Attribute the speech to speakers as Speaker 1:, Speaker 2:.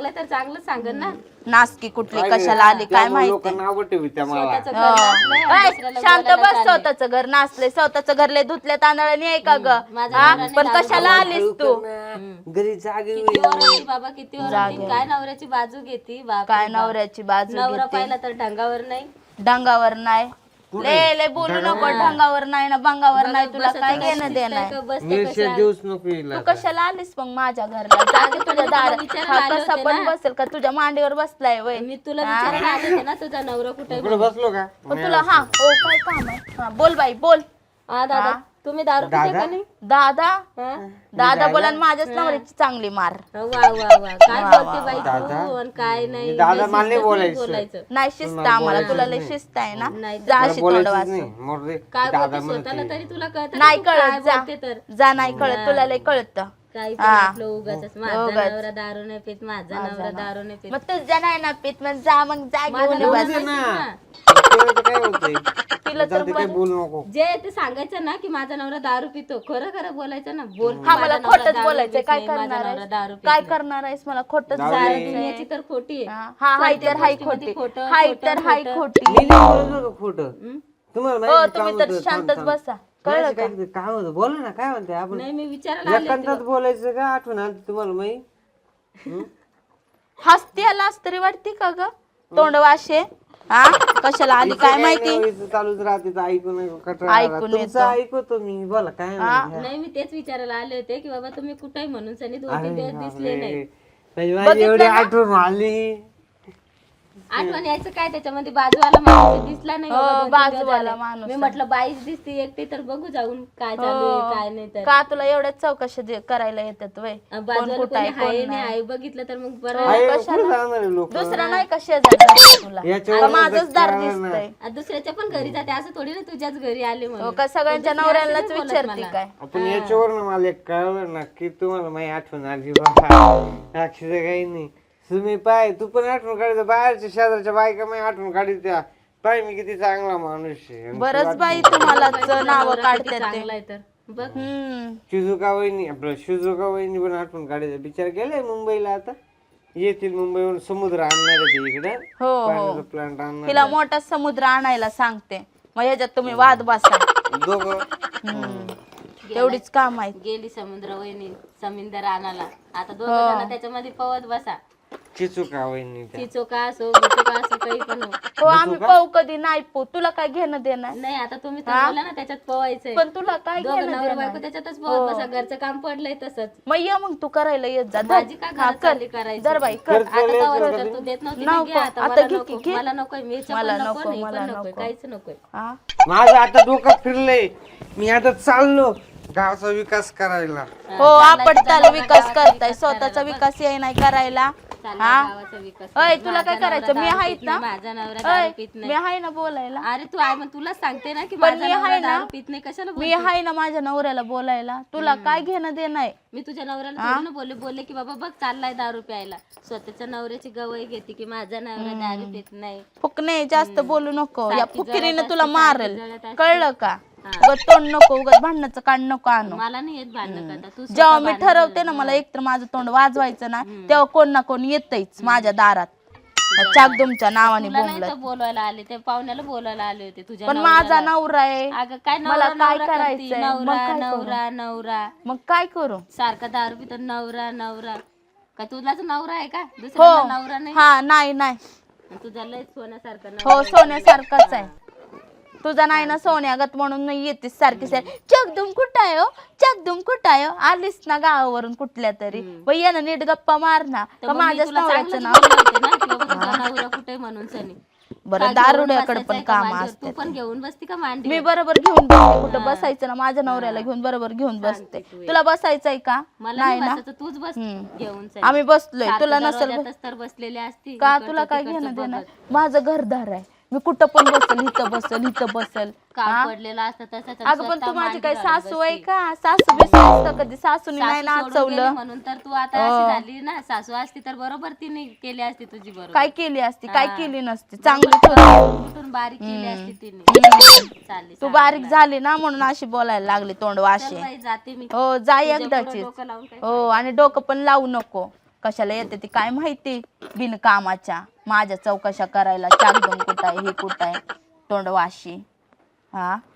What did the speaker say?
Speaker 1: लागलं तर चांगलं सांगन ना.
Speaker 2: नासकी कुठली कशाला आली काय माहिती.
Speaker 1: स्वतःचं घर नसलंय आणि दुसऱ्याला
Speaker 2: शांत
Speaker 1: बोलायला
Speaker 2: बस.
Speaker 1: चाललंय.
Speaker 2: स्वतःचं घर नाचले, स्वतःचं घर लय धुतल्या तांदळाने आहे का ग?
Speaker 1: माझ्या
Speaker 2: हा?
Speaker 1: नवऱ्याने
Speaker 2: पण
Speaker 1: दारू
Speaker 2: कशाला आलीस तू?
Speaker 3: घरी जागे
Speaker 1: किती ओरडती बाबा, किती ओरडती. काय नवऱ्याची बाजू घेती बाप
Speaker 2: काय नवऱ्याची बाजू
Speaker 1: नवरा
Speaker 2: घेते?
Speaker 1: पाहिला तर ढंगावर नाही.
Speaker 2: डंगावर नाही ले बोलू नको. ढंगावर नाही ना बंगावर नाही. तुला काय घेणं देणार?
Speaker 3: देऊच नको
Speaker 2: तू कशाला आलीस मग माझ्या घरला? जागे तुझ्या दारात. हा कसा पण बसेल का तुझ्या मांडीवर बसलाय वय?
Speaker 1: मी तुला विचारायला आले होते ना तुझा नवरा कुठे.
Speaker 3: कुठे बसलो का
Speaker 2: तुला हा ओ काय काम आहे? हा, बोल बाई बोल.
Speaker 1: हा दादा तुम्ही दारू पिता का नाही?
Speaker 2: दादा
Speaker 1: हा?
Speaker 2: दादा बोला आणि माझ्याच नवऱ्याची चांगली मार.
Speaker 1: वा वा वा काय बोलते बाई तू आणि काय नाही.
Speaker 3: दादा मला नाही
Speaker 1: बोलायचं
Speaker 2: नाही शिस्त आम्हाला. तुला लय शिस्त आहे ना.
Speaker 1: नाही
Speaker 2: जा अशी तोंड वाच.
Speaker 1: काय बोलते स्वतःला तरी तुला कळत
Speaker 2: नाही कळत. जा नाही कळत. तुला लय कळत.
Speaker 1: काही पण आपलं उगाच माझा नवरा दारू नाही पित, माझा नवरा दारू नाही पित.
Speaker 2: मग तुझ्या नाही ना पित मग जा मग जा घेऊन ये बस.
Speaker 3: काय होतंय
Speaker 2: तिला तर
Speaker 3: काय बोलू नको.
Speaker 1: जे ते सांगायचं ना की माझा नवरा दारू पितो, खरं खरं बोलायचं ना. बोल
Speaker 2: हा मला
Speaker 1: माझा नवरा
Speaker 2: खोटच
Speaker 1: दारू
Speaker 2: बोलायचंय.
Speaker 1: पित
Speaker 2: काय
Speaker 1: नाही, माझा
Speaker 2: करणार
Speaker 1: नवरा दारू
Speaker 2: आहेस?
Speaker 1: पित
Speaker 2: काय
Speaker 1: नाही.
Speaker 2: करणार आहेस? मला खोटच
Speaker 1: सारी
Speaker 2: बोलायचंय.
Speaker 1: दुनियाची तर खोटी आहे.
Speaker 2: हा हाय तर हाय
Speaker 1: गोष्टीमध्ये
Speaker 2: खोटी.
Speaker 1: खोटं,
Speaker 2: हाय
Speaker 1: खोटं,
Speaker 2: तर हाय
Speaker 1: खोटं.
Speaker 2: खोटी.
Speaker 3: मी नाही बोललो का खोटं तुम्हाला
Speaker 2: हो
Speaker 3: माहिती
Speaker 2: तुम्ही तर शांतच बसा. कळलं का?
Speaker 3: काय होतं बोला ना काय म्हणते आपण
Speaker 1: नाही मी विचारायला आले
Speaker 3: एकांतात बोलायचं का आठवण आली तुम्हाला माहिती
Speaker 2: हसती आलास तरी वाटते का ग? तोंड वाशे. हा कशाला आली काय माहिती?
Speaker 3: चालूच राहते तर ऐकून
Speaker 2: ऐकून
Speaker 3: तुमचं ऐकतो मी बोला काय म्हणते.
Speaker 1: नाही मी तेच विचारायला आले होते की बाबा तुम्ही कुठे म्हणून सनी 2-3 दिवस दिसले नाही.
Speaker 3: म्हणजे माझी एवढी आठवण आली.
Speaker 1: आठवण यायचं काय त्याच्यामध्ये बाजूवाला माणूस दिसला नाही बाबा 2-3 दिवस
Speaker 2: बाजूवाला
Speaker 1: झाले.
Speaker 2: माणूस
Speaker 1: मी म्हटलं बाईच दिसते एकटी तर बघू जाऊन काय चालू आहे काय नाही तर.
Speaker 2: का तुला एवढ्याच चौकशी करायला येतात वय?
Speaker 1: बाजूला कोणी आहे नाही आहे बघितलं तर मग बरं.
Speaker 3: कुठे जाणार आहे लोक
Speaker 2: दुसरा नाही का शेजारचा तुला? का माझंच दार दिसतंय?
Speaker 1: दुसऱ्याच्या पण घरी जाते असं थोडी ना तुझ्याच घरी आले म्हणून.
Speaker 2: का सगळ्यांच्या नवऱ्यालाच विचारते काय?
Speaker 3: आपण याच्यावर मला एक कळलं ना की तुम्हाला माझी आठवण आली बाबा अक्षरशः काही नाही. तुम्ही पाय तू पण आठवण काढायचं बाहेरच्या शेजारच्या बायका मी आठवण काढी त्या पाय मी किती चांगला माणूस आहे.
Speaker 2: बरंच बाई तुम्हाला नाव काढतात ते.
Speaker 1: चांगला आहे तर बघ.
Speaker 3: शिजुका वहिनी आपलं शिजुका वहिनी पण आठवण काढायचं बिचार गेले मुंबईला आता येतील मुंबईवरून समुद्र आणणार आहे ते इकडे
Speaker 2: हो
Speaker 3: प्लांट आणणार
Speaker 2: तिला मोठा समुद्र आणायला सांगते. मग ह्याच्यात तुम्ही वाद बसा.
Speaker 3: दोघं
Speaker 2: तेवढीच काम आहे.
Speaker 1: गेली समुद्र वहिनी समिंदर आणाला. आता दोघं जण त्याच्यामध्ये पवत बसा.
Speaker 3: चिचुका वहिनी
Speaker 1: चिचोका असो बिचोका असो काही पण हो.
Speaker 2: हो आम्ही पाहू कधी नाही पाहू. तुला काय घेणं देणार?
Speaker 1: नाही आता तुम्ही तर बोला ना त्याच्यात पवायचंय.
Speaker 2: पण तुला काय
Speaker 1: दोघं
Speaker 2: घेणं
Speaker 1: नवरा
Speaker 2: देणार?
Speaker 1: बायको त्याच्यातच पवत बसा. घरचं काम पडलंय तसंच.
Speaker 2: मग ये मग तू करायला येत जा.
Speaker 1: भाजी का घरात चालली करायची?
Speaker 2: जर बाई कर.
Speaker 1: आता तवर तर तू देत नव्हती ना, घे आता.
Speaker 2: आता
Speaker 1: मला
Speaker 2: घे
Speaker 1: नको
Speaker 2: की, घे.
Speaker 1: मला नकोय मिरच्या पण नको नाही पण नकोय काहीच नकोय.
Speaker 2: हा?
Speaker 3: माझं आता डोकं फिरलंय. मी आता चाललो गावचा विकास करायला.
Speaker 2: हो आपटताल विकास करताय. स्वतःचा विकास ये नाही करायला.
Speaker 1: चालला गावाचा विकास.
Speaker 2: अय तुला काय करायचं? मी
Speaker 1: दारू
Speaker 2: आहे
Speaker 1: पित
Speaker 2: ना.
Speaker 1: नाही, माझा नवरा दारू पित
Speaker 2: मी
Speaker 1: नाही.
Speaker 2: आहे ना बोलायला.
Speaker 1: अरे तू आहे मग तुला सांगते ना की
Speaker 2: पण
Speaker 1: माझा
Speaker 2: मी
Speaker 1: नवरा
Speaker 2: आहे ना.
Speaker 1: दारू पित नाही कशाला
Speaker 2: मी आहे ना माझ्या नवऱ्याला बोलायला. तुला काय घेणं देणं आहे?
Speaker 1: मी तुझ्या नवऱ्याला थोडी ना बोलले की बाबा बघ चाललाय दारू प्यायला. स्वतःच्या नवऱ्याची गवई घेते की माझा नवरा दारू पित नाही.
Speaker 2: फुकणे जास्त बोलू नको. या
Speaker 1: सारखी
Speaker 2: फुकिरीनं
Speaker 1: जळत
Speaker 2: तुला
Speaker 1: असते,
Speaker 2: मारेल.
Speaker 1: सारखी जळत असते.
Speaker 2: कळलं का? उगाच तोंड नको. उगाच भांडणाचं कान नको आणू.
Speaker 1: मला नाही येत भांडण करता. तू
Speaker 2: जेव्हा मी ठरवते ना मला एकतर माझं तोंड वाजवायचं ना तेव्हा कोण ना कोण येतच माझ्या दारात चाकदुमच्या नावाने
Speaker 1: तुला नाही
Speaker 2: बोंबलत.
Speaker 1: तर बोलवायला आले ते पाहुण्याला बोलवायला आले होते तुझ्या
Speaker 2: पण
Speaker 1: नवऱ्याला.
Speaker 2: माझा नवरा आहे.
Speaker 1: अगं काय
Speaker 2: मला
Speaker 1: नवरा
Speaker 2: काय
Speaker 1: नवरा करती?
Speaker 2: करायचंय? मग
Speaker 1: नवरा
Speaker 2: काय करू?
Speaker 1: नवरा नवरा
Speaker 2: मग काय करू?
Speaker 1: सारखा दारू पितो नवरा नवरा. का तुझाच नवरा आहे का दुसरा नवरा नाही?
Speaker 2: हा नाही नाही.
Speaker 1: तुझा लय सोन्यासारखा
Speaker 2: हो सोन्यासारखाच आहे. तुझा नाही ना सोन्यागत म्हणून नाही येतेस सारखी सारखी. चकदुम कुठं आहे हो? चकदुम कुठं आहे हो? आलीस ना गावावरून कुठल्या तरी ये ना नीट गप्पा मार ना. का माझ्याच नवऱ्याचं नाव?
Speaker 1: नवरा कुठे म्हणून सनी.
Speaker 2: बरं दारुड्याकडे पण काम
Speaker 1: तू
Speaker 2: असते.
Speaker 1: पण घेऊन बसती का मांडी?
Speaker 2: मी बरोबर घेऊन बसते. कुठं बसायचं ना माझ्या नवऱ्याला घेऊन बरोबर घेऊन बसते. तुला बसायचंय का?
Speaker 1: मला नाही बसायचं, तूच बस घेऊन सनी.
Speaker 2: आम्ही बसलोय. तुला नसेल
Speaker 1: दरवाजातच तर बसलेले असती.
Speaker 2: का? तुला काय घेणं देणार? माझं घरदार आहे. मी कुठं पण बसल. इथं बसल इथं बसल.
Speaker 1: काम पडलेलं असतं तसंच.
Speaker 2: अगं पण तू माझी काय सासू आहे का? सासू बिसू कधी सासूनी नाही नाचवलं
Speaker 1: म्हणून तर तू आता अशी झाली ना. सासू असती तर बरोबर तिने केली असती तुझी बरोबर.
Speaker 2: काय केली असती? काय केली नसती? चांगली
Speaker 1: कुठून बारीक केली असती तिने. चालली
Speaker 2: तू बारीक झाली ना म्हणून अशी बोलायला लागली तोंड वाशे.
Speaker 1: जाते मी.
Speaker 2: हो जा एकदाची.
Speaker 1: डोकं लावून काय.
Speaker 2: हो आणि डोकं पण लावू नको. कशाला येते ती काय माहिती बिनकामाच्या माझ्या चौकशा करायला चाकदम कुठं आहे हे कुठं आहे तोंड वाशी हा